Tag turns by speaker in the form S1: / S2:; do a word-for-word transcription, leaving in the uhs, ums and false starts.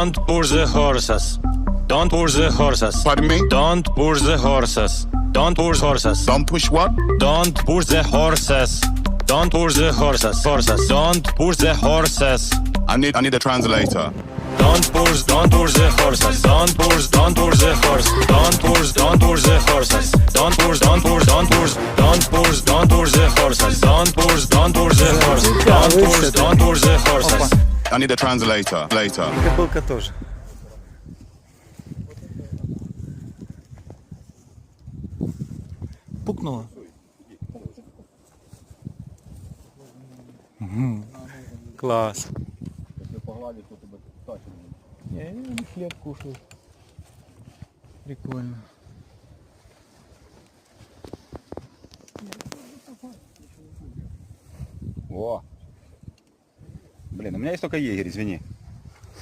S1: Don't push the horses. Don't push the horses.
S2: Pardon me?
S1: Don't push the horses. Don't push horses.
S2: Don't push what?
S1: Don't push the horses. Don't push the horses. Horses. Don't push the horses.
S2: I need I need a translator.
S1: Don't push, don't push the horses. Don't push, don't push the horse. Don't push, don't push the horses. Don't push, don't push, don't push. Don't push, don't push the horses. Don't push, don't push the horse. Don't push, don't push the horses.
S2: I need a translator later.
S3: Кобылка тоже. Пукнула. Мгм. Класс. Не, они хлеб кушают. Прикольно.
S4: О! Блин, у меня есть только егерь, извини.